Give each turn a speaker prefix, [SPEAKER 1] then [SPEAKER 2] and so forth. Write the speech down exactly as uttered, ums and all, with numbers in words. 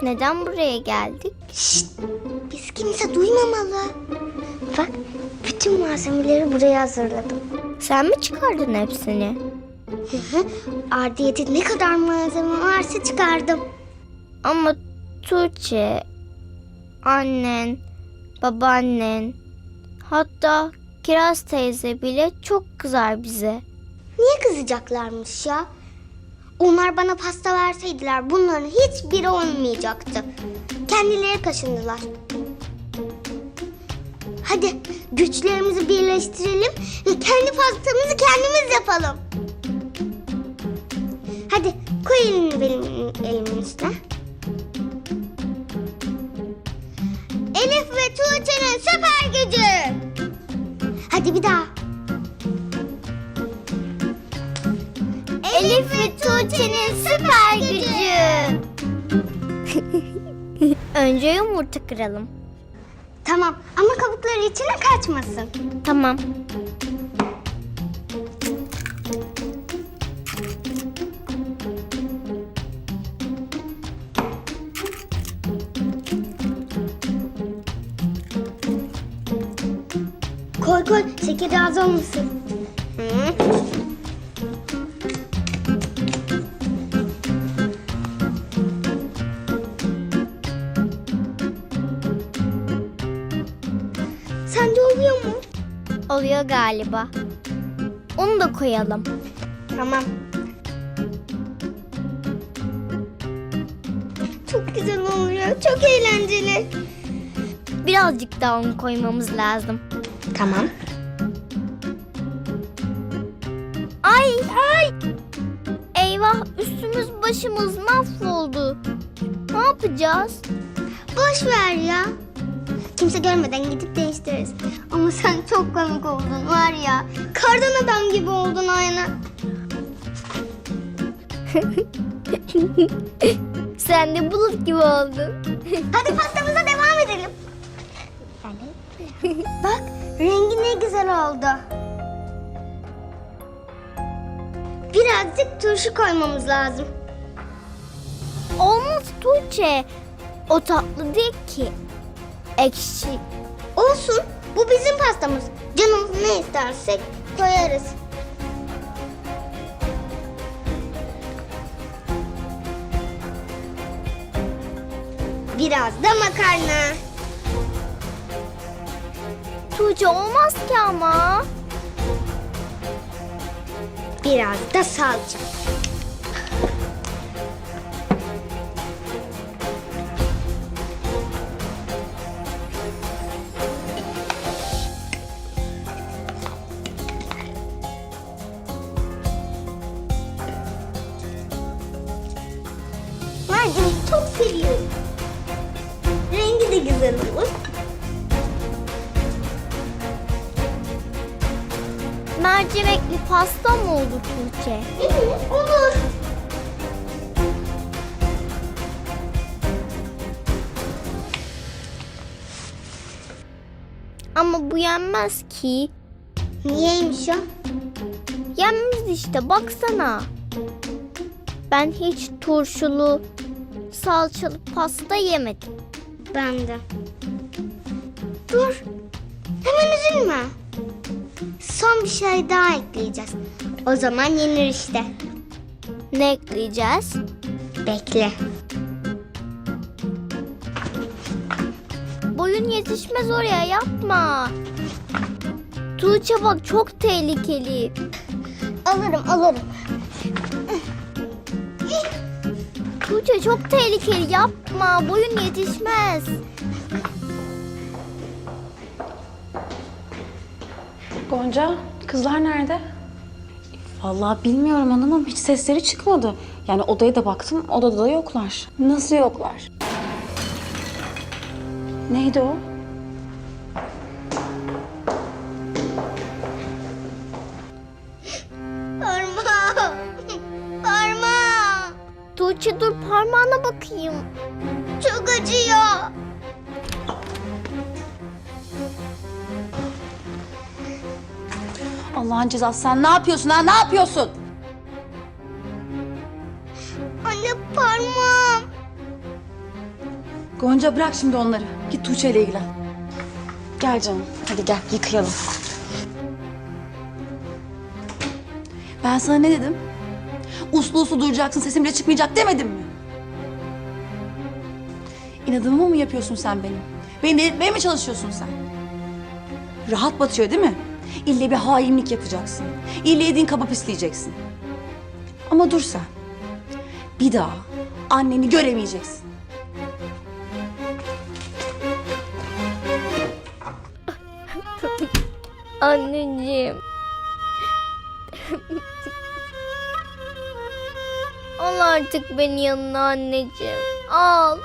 [SPEAKER 1] Neden buraya geldik?
[SPEAKER 2] Şşt! Biz kimse duymamalı. Bak, bütün malzemeleri buraya hazırladım.
[SPEAKER 1] Sen mi çıkardın hepsini?
[SPEAKER 2] Hı hı. Ardiyete ne kadar malzeme varsa çıkardım.
[SPEAKER 1] Ama Tuğçe, annen, babaannen, hatta Kiraz teyze bile çok kızar bize.
[SPEAKER 2] Niye kızacaklarmış ya? Onlar bana pasta verseydiler bunların hiçbiri olmayacaktı. Kendileri kaşındılar. Hadi güçlerimizi birleştirelim ve kendi pastamızı kendimiz yapalım. Hadi koy elini benim elimin üstüne. Elif ve Tuğçe'nin süper gücü. Hadi bir daha.
[SPEAKER 1] Elif ve Tuğçe'nin süper gücü. Önce yumurta kıralım.
[SPEAKER 2] Tamam ama kabukları içine kaçmasın.
[SPEAKER 1] Tamam.
[SPEAKER 2] Koy koy, şekeri az olmasın. Hı. Sence oluyor mu?
[SPEAKER 1] Oluyor galiba. Onu da koyalım.
[SPEAKER 2] Tamam. Çok güzel oluyor, çok eğlenceli.
[SPEAKER 1] Birazcık daha un koymamız lazım.
[SPEAKER 2] Tamam.
[SPEAKER 1] Ay ay! Eyvah, üstümüz başımız mahvoldu. Ne yapacağız?
[SPEAKER 2] Boş ver ya. Kimse görmeden gidip değiştiririz. Ama sen çok komik oldun var ya. Kardan adam gibi oldun aynı.
[SPEAKER 1] Sen de bulut gibi oldun.
[SPEAKER 2] Hadi pastamıza devam edelim. Bak rengi ne güzel oldu. Birazcık turşu koymamız lazım.
[SPEAKER 1] Olmaz Tuğçe. O tatlı değil ki. Ekşi.
[SPEAKER 2] Olsun, bu bizim pastamız. Canımız ne istersek koyarız. Biraz da makarna.
[SPEAKER 1] Tuğçe, olmaz ki ama.
[SPEAKER 2] Biraz da salça. Mercimek çok seviyorum. Rengi de güzel olur.
[SPEAKER 1] Mercimekli pasta mı oldu Tuğçe?
[SPEAKER 2] Evet, olur.
[SPEAKER 1] Ama bu yenmez ki.
[SPEAKER 2] Niyeymiş o?
[SPEAKER 1] Yenmez işte, baksana. Ben hiç turşulu, salçalı pasta yemedim.
[SPEAKER 2] Ben de. Dur. Hemen üzülme. Son bir şey daha ekleyeceğiz. O zaman yenir işte.
[SPEAKER 1] Ne ekleyeceğiz?
[SPEAKER 2] Bekle.
[SPEAKER 1] Boyun yetişmez oraya, yapma. Tuğçe bak, çok tehlikeli.
[SPEAKER 2] Alırım alırım.
[SPEAKER 1] Tuğçe çok tehlikeli, yapma. Boyun yetişmez.
[SPEAKER 3] Gonca, kızlar nerede? Vallahi bilmiyorum hanımım, hiç sesleri çıkmadı. Yani odaya da baktım, odada da yoklar. Nasıl yoklar? Neydi o?
[SPEAKER 2] Parmağım. Parmağım.
[SPEAKER 1] Tuğçe dur, parmağına bakayım.
[SPEAKER 2] Çok acıyor.
[SPEAKER 3] Allah'ın cezası, sen ne yapıyorsun ha? Ne yapıyorsun?
[SPEAKER 2] Anne parmağım.
[SPEAKER 3] Gonca bırak şimdi onları. Git Tuğçe ile ilgilen. Gel canım. Hadi gel yıkayalım. Ben sana ne dedim? Uslu uslu duracaksın, sesim bile çıkmayacak demedim mi? İnadımı mı yapıyorsun sen benim? Beni delirtmeye mi çalışıyorsun sen? Rahat batıyor değil mi? İlle bir hainlik yapacaksın. İlle yediğin kaba pisleyeceksin. Ama dur sen. Bir daha anneni göremeyeceksin.
[SPEAKER 1] Anneciğim. Al artık beni yanına anneciğim. Al.